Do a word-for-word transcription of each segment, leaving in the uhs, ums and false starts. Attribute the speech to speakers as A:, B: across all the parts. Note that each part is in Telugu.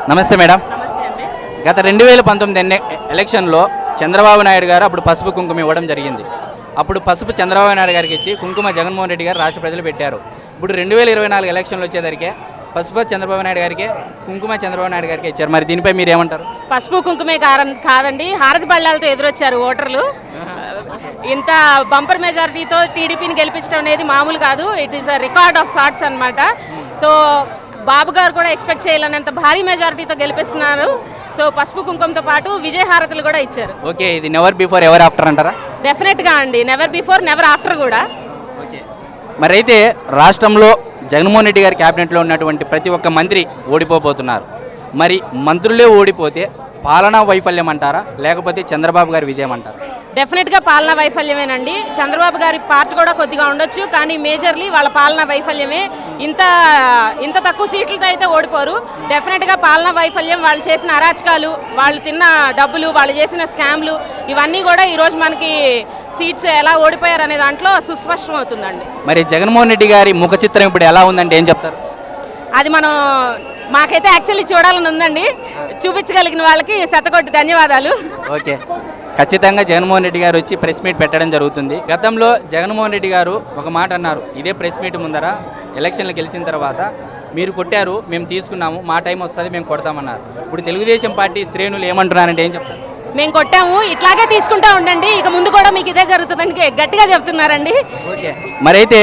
A: నమస్తే మేడం.
B: నమస్తే అండి.
A: గత రెండు వేల పంతొమ్మిది ఎన్ని ఎలక్షన్లో చంద్రబాబు నాయుడు గారు అప్పుడు పసుపు కుంకుమ ఇవ్వడం జరిగింది. అప్పుడు పసుపు చంద్రబాబు నాయుడు గారికి ఇచ్చి కుంకుమ జగన్మోహన్ రెడ్డి గారు రాష్ట్ర ప్రజలు పెట్టారు. ఇప్పుడు రెండు వేల ఇరవై నాలుగు ఎలక్షన్లు వచ్చేసరికి పసుపు చంద్రబాబు నాయుడు గారికి కుంకుమ చంద్రబాబు నాయుడు గారికి ఇచ్చారు. మరి దీనిపై మీరు ఏమంటారు?
B: పసుపు కుంకుమే కారం కాదండి, హారతి బళ్ళాలతో ఎదురొచ్చారు ఓటర్లు. ఇంత బంపర్ మెజారిటీతో టీడీపీని గెలిపించడం అనేది మామూలు కాదు. It is a record of sorts అనమాట. సో బాబు గారు కూడా ఎక్స్పెక్ట్ చేయలేనంత భారీ మెజారిటీతో గెలిపిస్తున్నారు. సో పసుపు కుంకుమతో పాటు విజయ హారతులు కూడా ఇచ్చారు.
A: ఓకే, ఇది నెవర్ బిఫోర్ ఎవర్ ఆఫ్టర్ అంటారా?
B: డెఫినెట్గా అండి, నెవర్ బిఫోర్ నెవర్ ఆఫ్టర్ కూడా.
A: ఓకే, మరి అయితే రాష్ట్రంలో జగన్మోహన్ రెడ్డి గారి క్యాబినెట్లో ఉన్నటువంటి ప్రతి ఒక్క మంత్రి ఓడిపోబోతున్నారు. మరి మంత్రులే ఓడిపోతే పాలనా వైఫల్యం అంటారా, లేకపోతే చంద్రబాబు గారి విజయం అంటారా?
B: డెఫినెట్గా పాలనా వైఫల్యమేనండి. చంద్రబాబు గారి పార్ట్ కూడా కొద్దిగా ఉండొచ్చు, కానీ మేజర్లీ వాళ్ళ పాలనా వైఫల్యమే. ఇంత ఇంత తక్కువ సీట్లతో అయితే ఓడిపోరు. డెఫినెట్గా పాలనా వైఫల్యం, వాళ్ళు చేసిన అరాచకాలు, వాళ్ళు తిన్న డబ్బులు, వాళ్ళు చేసిన స్కామ్లు, ఇవన్నీ కూడా ఈరోజు మనకి సీట్స్ ఎలా ఓడిపోయారు అనే దాంట్లో సుస్పష్టం అవుతుందండి.
A: మరి జగన్మోహన్ రెడ్డి గారి ముఖ చిత్రం ఇప్పుడు ఎలా ఉందంటే ఏం చెప్తారు?
B: అది మనం మాకైతే యాక్చువల్లీ చూడాలని ఉందండి. చూపించగలిగిన వాళ్ళకి శతకోటి ధన్యవాదాలు.
A: ఓకే, ఖచ్చితంగా జగన్మోహన్ రెడ్డి గారు వచ్చి ప్రెస్ మీట్ పెట్టడం జరుగుతుంది. గతంలో జగన్మోహన్ రెడ్డి గారు ఒక మాట అన్నారు, ఇదే ప్రెస్ మీట్ ముందర ఎలక్షన్లు గెలిచిన తర్వాత మీరు కొట్టారు, మేము తీసుకున్నాము, మా టైం వస్తుంది, మేము కొడతామన్నారు. ఇప్పుడు తెలుగుదేశం పార్టీ శ్రేణులు ఏమంటున్నారంటే ఏం చెప్తారు?
B: మేము కొట్టాము, ఇట్లాగే తీసుకుంటా ఉండండి, ఇక ముందు కూడా మీకు ఇదే జరుగుతుందని గట్టిగా చెప్తున్నారండి.
A: ఓకే, మరైతే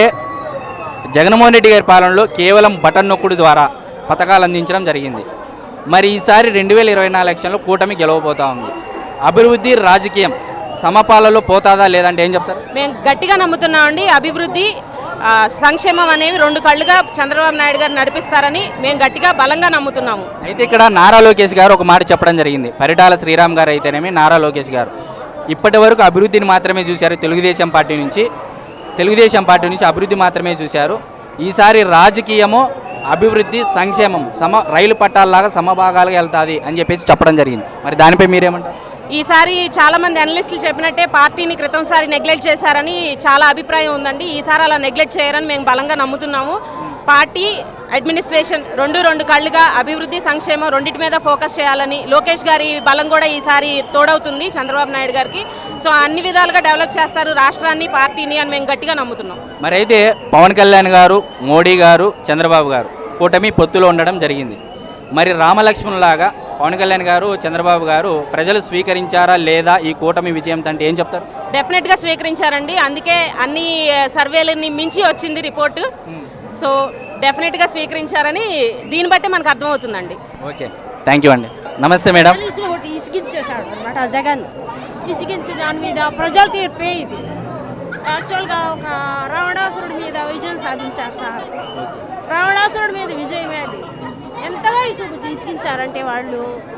A: జగన్మోహన్ రెడ్డి గారి పాలనలో కేవలం బటన్ నొక్కుడు ద్వారా పథకాలు అందించడం జరిగింది. మరి ఈసారి రెండు వేల ఇరవై నాలుగు ఎలక్షన్లో కూటమి గెలవబోతా ఉంది. అభివృద్ధి రాజకీయం సమపాలలో పోతాదా లేదంటే ఏం చెప్తారు?
B: మేము గట్టిగా నమ్ముతున్నామండి. అభివృద్ధి సంక్షేమం అనేవి రెండు కళ్ళుగా చంద్రబాబు నాయుడు గారు నడిపిస్తారని మేము గట్టిగా బలంగా నమ్ముతున్నాము.
A: అయితే ఇక్కడ నారా లోకేష్ గారు ఒక మాట చెప్పడం జరిగింది. పరిటాల శ్రీరామ్ గారు అయితేనేమి నారా లోకేష్ గారు ఇప్పటి వరకు అభివృద్ధిని మాత్రమే చూశారు. తెలుగుదేశం పార్టీ నుంచి తెలుగుదేశం పార్టీ నుంచి అభివృద్ధి మాత్రమే చూశారు. ఈసారి రాజకీయము అభివృద్ధి సంక్షేమం సమ రైలు పట్టాలలాగా సమభాగాలుగా వెళ్తుంది అని చెప్పేసి చెప్పడం జరిగింది. మరి దానిపై మీరేమంటారు?
B: ఈసారి చాలామంది అనలిస్టులు చెప్పినట్టే పార్టీని క్రితంసారి నెగ్లెక్ట్ చేశారని చాలా అభిప్రాయం ఉందండి. ఈసారి అలా నెగ్లెక్ట్ చేయరని మేము బలంగా నమ్ముతున్నాము. పార్టీ అడ్మినిస్ట్రేషన్ రెండు రెండు కళ్ళుగా అభివృద్ధి సంక్షేమం రెండింటి మీద ఫోకస్ చేయాలని లోకేష్ గారి బలం కూడా ఈసారి తోడవుతుంది చంద్రబాబు నాయుడు గారికి. సో అన్ని విధాలుగా డెవలప్ చేస్తారు రాష్ట్రాన్ని, పార్టీని అని మేము గట్టిగా నమ్ముతున్నాం.
A: మరి అయితే పవన్ కళ్యాణ్ గారు, మోడీ గారు, చంద్రబాబు గారు కూటమి పొత్తులో ఉండడం జరిగింది. మరి రామలక్ష్మణులాగా పవన్ కళ్యాణ్ గారు, చంద్రబాబు గారు ప్రజలు స్వీకరించారా లేదా ఈ కూటమి విజయం అంటే ఏం చెప్తారు?
B: డెఫినెట్గా స్వీకరించారండి. అందుకే అన్ని సర్వేలని మించి వచ్చింది రిపోర్టు. సో డెఫినెట్గా స్వీకరించారని దీన్ని బట్టి మనకు అర్థమవుతుందండి.
A: ఓకే, థ్యాంక్ యూ అండి. నమస్తే మేడం.
C: ఒకటి ఇసిగించేశాడు అనమాట జగన్. ఇసిగించి దాని మీద ప్రజల తీర్పే ఇది. యాక్చువల్గా ఒక రావణాసురుడి మీద విజయం సాధించారు సార్. రావణాసురుడి మీద విజయమే అది. ఎంతగా ఇసుకు ఇసిగించారంటే వాళ్ళు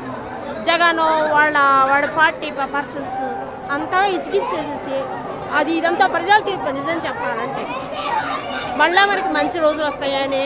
C: జగన్ వాళ్ళ వాళ్ళ పార్టీ పర్సన్స్ అంతా ఇసిగించేసేసి అది ఇదంతా ప్రజల తీర్పు నిజం చెప్పాలంటే. మళ్ళీ మనకి మంచి రోజులు వస్తాయని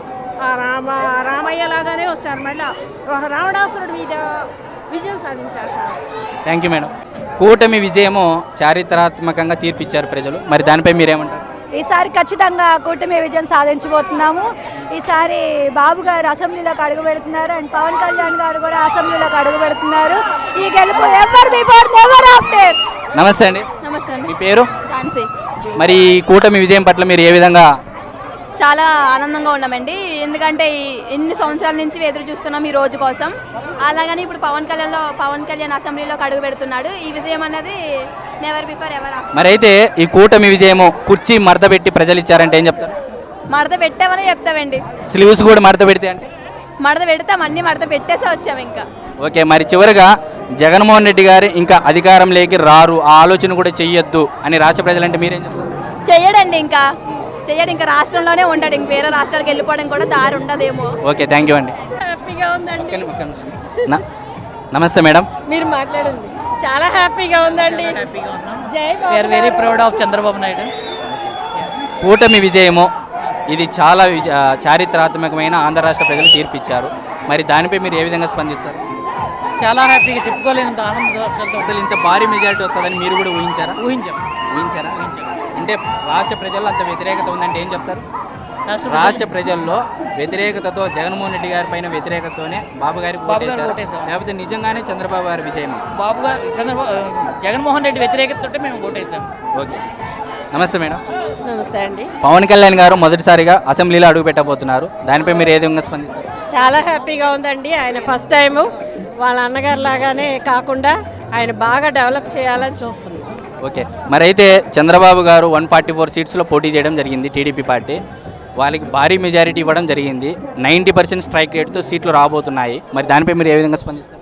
C: రామ రామయ్య లాగానే వచ్చారు. మళ్ళీ ఒక రావణాసురుడి మీద విజయం సాధించారు సార్.
A: Thank you madam. కూటమి విజయము చారిత్రాత్మకంగా తీర్పిచ్చారు ప్రజలు. మరి దానిపై మీరేమంటారు?
D: ఈసారి ఖచ్చితంగా కూటమి విజయం సాధించబోతున్నాము. ఈసారి బాబు గారు అసెంబ్లీలోకి అడుగు పెడుతున్నారు అండ్ పవన్ కళ్యాణ్ గారు కూడా అసెంబ్లీలోకి అడుగు పెడుతున్నారు. ఈ గెలుపు ఎవర్ బిఫోర్ నెవర్ ఆఫ్టర్.
A: నమస్తే అండి.
D: నమస్తే అండి.
A: మీ పేరు?
D: ఝాన్సీ.
A: మరి ఈ కూటమి విజయం పట్ల మీరు ఏ విధంగా?
D: చాలా ఆనందంగా ఉన్నామండి. ఎందుకంటే ఎన్ని సంవత్సరాల నుంచి ఎదురు చూస్తున్నాం ఈ రోజు కోసం. అలాగని ఇప్పుడు పవన్ కళ్యాణ్లో పవన్ కళ్యాణ్ అసెంబ్లీలోకి అడుగు పెడుతున్నాడు. ఈ విజయం అనేది నెవర్ బిఫోర్ ఎవర్ ఆఫ్టర్.
A: మరి అయితే ఈ కూటమి విజయము కుర్చీ మడత పెట్టి ప్రజలు ఇచ్చారంటే ఏం చెప్తారు?
D: మడత పెట్టామని చెప్తామండి.
A: స్లీవ్స్ కూడా మడత పెడితే అంటే?
D: మడత పెడతాం, అన్ని మడత పెట్టేసే వచ్చాము ఇంకా.
A: ఓకే, మరి చివరిగా జగన్మోహన్ రెడ్డి గారు ఇంకా అధికారంలోకి రారు, ఆ ఆలోచన కూడా చెయ్యొద్దు అని రాష్ట్ర ప్రజలంటే మీరేం చెప్తారు?
D: చెయ్యడండి, ఇంకా చెయ్యడు, ఇంకా రాష్ట్రంలోనే ఉంటాడు. ఇంక వేరే రాష్ట్రాలకు వెళ్ళిపోవడం కూడా దారి ఉండదేమో.
A: ఓకే, థ్యాంక్ యూ అండి.
C: హ్యాపీగా ఉందండి.
A: నమస్తే మేడం.
C: మీరు మాట్లాడండి. చాలా హ్యాపీగా ఉందండి. జై
E: we are very proud of Chandrababu Naidu.
A: కూటమి విజయము ఇది చాలా చారిత్రాత్మకమైన ఆంధ్ర రాష్ట్ర ప్రజలు తీర్పిచ్చారు. మరి దానిపై మీరు ఏ విధంగా స్పందిస్తారు?
E: చాలా హ్యాపీగా చెప్పుకోలేనంత ఆనంద.
A: అసలు ఇంత భారీ మెజారిటీ వస్తుందని మీరు కూడా ఊహించారా?
E: ఊహించాం
A: ఊహించారా
E: ఊహించాం
A: అంటే రాష్ట్ర ప్రజల్లో అంత వ్యతిరేకత ఉందంటే ఏం చెప్తారు?
E: రాష్ట్ర
A: రాష్ట్ర ప్రజల్లో వ్యతిరేకతతో జగన్మోహన్ రెడ్డి గారి పైన వ్యతిరేకతతోనే బాబు గారికి
E: బాబు గారికి
A: ఓటేశారా?
E: ఓటేశాం.
A: లేకపోతే నిజంగానే చంద్రబాబు గారి విజయం?
E: బాబు గారు చంద్రబాబు జగన్మోహన్ రెడ్డి వ్యతిరేకతతో మేము ఓటేసాం.
A: ఓకే, నమస్తే మేడం.
C: నమస్తే అండి.
A: పవన్ కళ్యాణ్ గారు మొదటిసారిగా అసెంబ్లీలో అడుగు పెట్టబోతున్నారు. దానిపై మీరు ఏ విధంగా స్పందిస్తారు?
C: చాలా హ్యాపీగా ఉందండి. ఆయన ఫస్ట్ టైము వాళ్ళ అన్నగారు లాగానే కాకుండా ఆయన బాగా డెవలప్ చేయాలని చూస్తున్నాం.
A: ఓకే, మరి అయితే చంద్రబాబు గారు వన్ ఫార్టీ ఫోర్ సీట్స్లో పోటీ చేయడం జరిగింది. టీడీపీ పార్టీ వాళ్ళకి భారీ మెజారిటీ ఇవ్వడం జరిగింది. నైంటీ పర్సెంట్ స్ట్రైక్ రేట్తో సీట్లు రాబోతున్నాయి. మరి దానిపై మీరు ఏ విధంగా స్పందిస్తారు?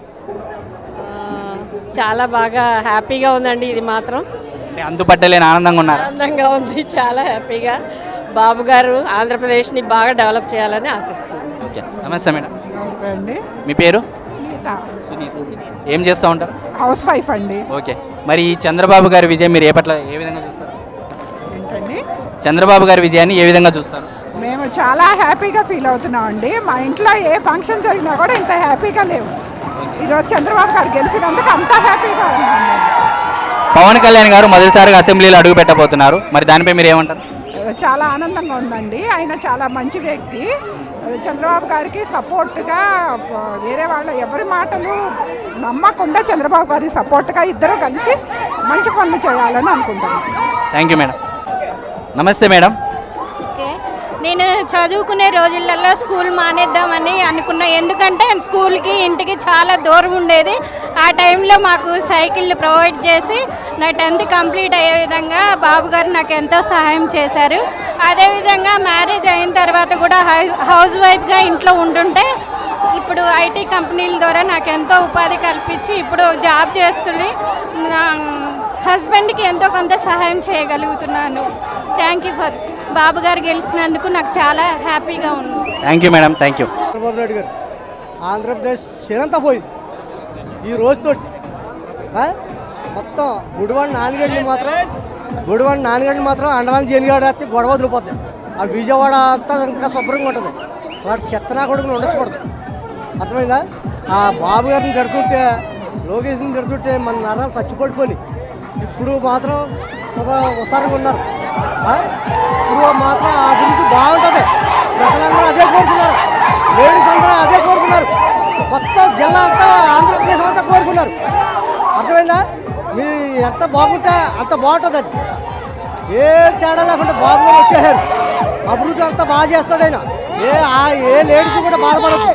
C: చాలా బాగా హ్యాపీగా ఉందండి. ఇది మాత్రం
A: అంటే అంతుపట్టలేని ఆనందంగా ఉన్నారు.
C: ఆనందంగా ఉంది. చాలా హ్యాపీగా బాబు గారు ఆంధ్రప్రదేశ్ని బాగా డెవలప్ చేయాలని ఆశిస్తున్నాం.
A: ఓకే, నమస్తే మేడం.
F: నమస్తే అండి.
A: మీ పేరు?
F: సునీత.
A: సునీత. ఏం చేస్తూ ఉంటారు?
F: హౌస్ వైఫ్ అండి.
A: ఓకే, మరి ఈ చంద్రబాబు గారి విజయం మీరు ఏ పట్ల ఏ విధంగా చూస్తారు?
F: ఏంటండి?
A: చంద్రబాబు గారి విజయాన్ని ఏ విధంగా చూస్తారు?
F: మేము చాలా హ్యాపీగా ఫీల్ అవుతున్నాం అండి. మా ఇంట్లో ఏ ఫంక్షన్ జరిగినా కూడా ఇంత హ్యాపీగా లేవు. ఈరోజు చంద్రబాబు గారు గెలిచినందుకు అంత హ్యాపీగా ఉన్నాం మేము.
A: పవన్ కళ్యాణ్ గారు మొదటిసారిగా అసెంబ్లీలో అడుగు పెట్టబోతున్నారు. మరి దానిపై మీరు ఏమంటారు?
F: చాలా ఆనందంగా ఉందండి. ఆయన చాలా మంచి వ్యక్తి. చంద్రబాబు గారికి సపోర్ట్గా వేరే వాళ్ళ ఎవరి మాటలు నమ్మకుండా చంద్రబాబు గారికి సపోర్ట్గా ఇద్దరు కలిసి మంచి పనులు చేయాలని అనుకుంటున్నాను.
A: Thank you madam. నమస్తే మేడం.
G: ఓకే, నేను చదువుకునే రోజులలో స్కూల్ మానేద్దామని అనుకున్నా. ఎందుకంటే స్కూల్కి ఇంటికి చాలా దూరం ఉండేది. ఆ టైంలో మాకు సైకిళ్ళు ప్రొవైడ్ చేసి నా టెన్త్ కంప్లీట్ అయ్యే విధంగా బాబు గారు నాకు ఎంతో సహాయం చేశారు. అదేవిధంగా మ్యారేజ్ అయిన తర్వాత కూడా హౌస్ వైఫ్గా ఇంట్లో ఉంటుంటే ఇప్పుడు ఐటీ కంపెనీల ద్వారా నాకు ఎంతో ఉపాధి కల్పించి ఇప్పుడు జాబ్ చేసుకుని నా హస్బెండ్కి ఎంతో కొంత సహాయం చేయగలుగుతున్నాను. థ్యాంక్ యూ ఫర్ బాబు గారు గెలిచినందుకు నాకు చాలా హ్యాపీగా ఉంది.
A: Thank you madam. Thank you.
H: Chandrababu Naidu గారు ఆంధ్రప్రదేశ్ క్షీణంతా పోయింది ఈ రోజుతోటి. మొత్తం గుడివాడ నాలుగేళ్ళు మాత్రం గుడివాడ నాలుగేళ్ళు మాత్రం అండమాన్ జైలుగాడ వస్తే గొడవ వదిలిపోద్ది. ఆ విజయవాడ అంతా ఇంకా శుభ్రంగా ఉంటుంది. వాటి చెత్తనా కొడుకులు ఉండకూడదు. అర్థమైందా? ఆ బాబు గారిని తిడుతుంటే లోకేష్ని తిడుతుంటే మన నరాలు చచ్చిపడిపోయి ఇప్పుడు మాత్రం ఒక ఉసారంగా ఉన్నారు. ఇప్పుడు మాత్రం ఆ అభివృద్ధి బాగుంటుంది. ప్రజలందరూ అదే కోరుకున్నారు. లేడీస్ అందరూ అదే కోరుకున్నారు. మొత్తం జిల్లా అంతా ఆంధ్రప్రదేశ్ అంతా కోరుకున్నారు. అర్థమైందా? మీ ఎంత బాగుంటే అంత బాగుంటుంది. అది ఏ తేడా లేకుండా బాబు గారు వచ్చేసారు. అభివృద్ధి అంతా బాగా చేస్తాడు ఆయన. ఏ ఏ లేడీస్ కూడా బాధపడదు.